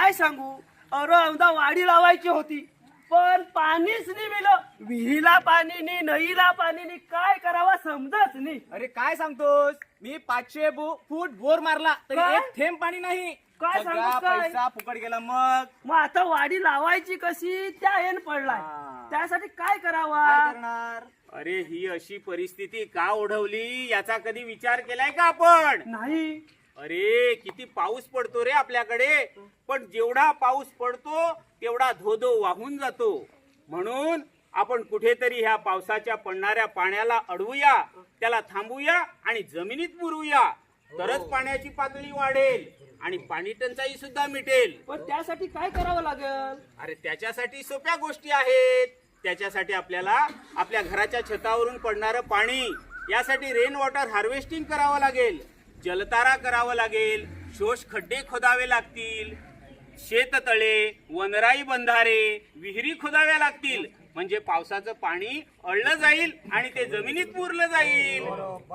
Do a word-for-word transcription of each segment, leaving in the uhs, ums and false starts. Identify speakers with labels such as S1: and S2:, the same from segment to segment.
S1: काय सांगू, अरे अवदा वाडी लावायची होती पण पाणीच नाही मिळलं. विहिरीला पाणी नाही, नईला पाणी नाही, काय करावा समजत नाही.
S2: अरे काय सांगतोस, मी पाचशे बो- फूट बोर मारला तरी
S1: काय?
S2: एक थेंब पाणी नाही.
S1: काय
S2: सगळा
S1: सांगतोस काय?
S2: पैसा फुकट गेला. मग
S1: मग आता वाडी लावायची कशी त्या येण पडलाय.
S2: हा.
S1: त्यासाठी काय करावा.
S2: काय करणार?
S3: अरे ही अशी परिस्थिती का ओढवली याचा कधी विचार केलाय का आपण?
S1: नाही.
S3: अरे किती पाऊस पडतो रे आपल्याकडे, पण जेवढा पाऊस पडतो तेवढा धोधो वाहून जातो. म्हणून आपण कुठेतरी ह्या पावसाच्या पडणाऱ्या पाण्याला अडवूया, त्याला थांबूया आणि जमिनीत मुरूया. तरच पाण्याची पातळी वाढेल आणि पाणी टंचाई सुद्धा मिटेल.
S1: पण त्यासाठी काय करावं लागेल.
S3: अरे त्याच्यासाठी सोप्या गोष्टी आहेत. त्याच्यासाठी आपल्याला आपल्या घराच्या छतावरून पडणारं पाणी, यासाठी रेन वॉटर हार्वेस्टिंग करावं लागेल, जलतारा करावं लागेल, शोष खड्डे खोदावे लागतील, शेततळे, वनराई बंधारे, विहिरी खोदाव्या लागतील. म्हणजे पावसाचं पाणी अडलं जाईल आणि ते जमिनीत मुरलं जाईल.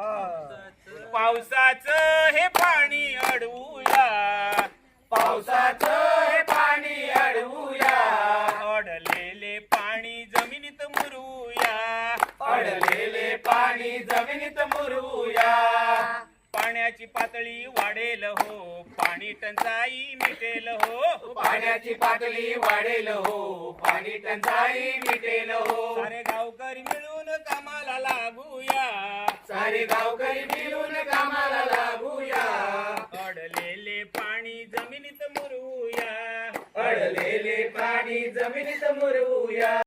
S3: पावसाचं हे पाणी अडवूया,
S2: पावसाचं हे पाणी अडवूया,
S3: अडलेले पाणी जमिनीत मुरूया,
S2: अडलेले पाणी जमिनीत मुरूया.
S3: पाण्याची पातळी वाढेल हो, पाणी टंचाई मिटेल हो,
S2: पाण्याची पातळी वाढेल हो, पाणी टंचाई मिटेल हो.
S3: सारे गावकरी मिळून कामाला लागूया,
S2: सारे गावकरी मिळून कामाला लागूया,
S3: अडलेले पाणी जमिनीत मुरूया.
S2: अडलेले पाणी जमिनीत मुरूया.